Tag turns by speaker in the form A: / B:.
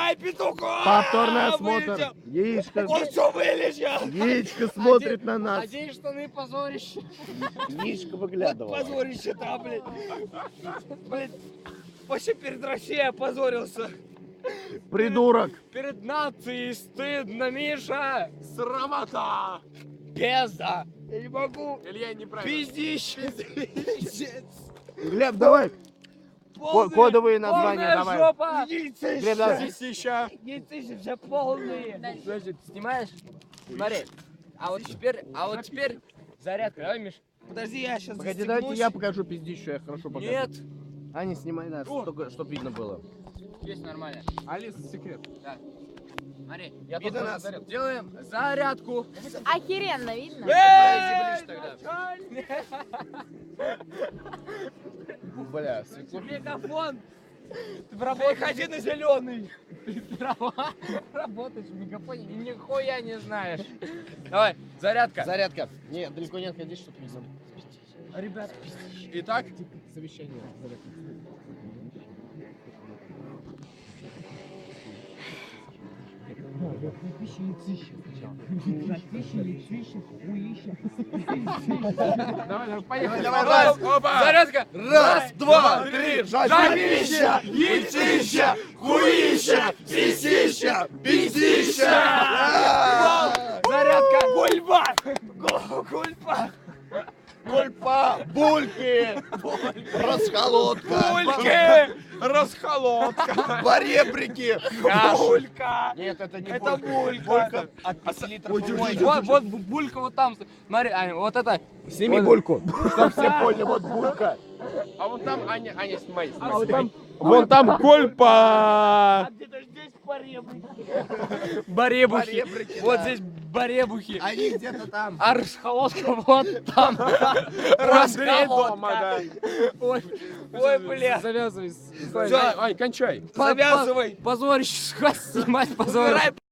A: Давай, петухов!
B: Повторный осмотр.
A: Вылетел.
B: Яичко,
A: Он все вылечил.
B: яичко смотрит на нас.
C: Одень штаны, позорище.
B: Яичко
A: Вот
B: выглядывало.
A: позорище там, блядь. Блядь, вообще перед Россией опозорился.
B: Придурок.
C: Перед нацией стыдно, Миша.
A: Срамота.
C: Пизда.
A: Я не могу.
C: Илья неправильно.
A: Пиздище.
B: Глеб, давай. Кодовые названия
C: Полная
B: давай.
C: жопа.
B: Глеб, давай.
C: Яйцища.
A: Яйцища полные.
C: Подожди, ты снимаешь? Смотри. А вот теперь зарядка. Давай, Миш.
A: Подожди, я сейчас
B: Погоди, давайте я покажу пиздищу, я хорошо покажу.
C: Нет.
B: А, не снимай, да, чтоб видно было.
C: Есть нормально.
D: Алиса, секрет.
C: Да. Смотри, я
B: Видно
C: тут
B: нас?
C: делаем зарядку.
E: Охеренно, видно?
B: Бля, светло.
A: Мегафон.
C: Выходи на зеленый. Ты работаешь в мегафоне, нихуя не знаешь. Давай, зарядка.
B: Зарядка. Нет, далеко не отходи, чтоб видно.
C: Ребят,
D: Итак,
B: Совещание. Зарядка.
D: давай, поехали.
B: Давай,
D: Опа!
C: зарядка.
B: Раз, два, три, жопища, яйцища, хуища, писища, пиздища.
C: Зарядка.
A: Гульба. Гульба.
B: Кульпа, бульки, расколотка,
A: Бульки. Расхолодка.
B: баребрики.
A: Булька.
B: Нет, это не
A: Это
B: булька.
A: булька.
B: От 5 литров помойки.
C: Вот булька вот там. Смотри, Аня, вот это.
B: Сними бульку, чтоб все поняли, вот булька.
D: А вон там, Аня, снимай.
C: А вот там
D: Вон там кольпа.
A: А где-то здесь поребрик.
C: баребухи.
B: Баребрики,
C: Вот
B: да.
C: здесь баребухи.
B: Они где-то там.
C: А расхолодка вот там.
D: Дома, да.
C: Ой,
A: Ой, бля.
C: завязывай.
D: Ай, кончай.
A: Завязывай.
C: Позорище, снимать позорище.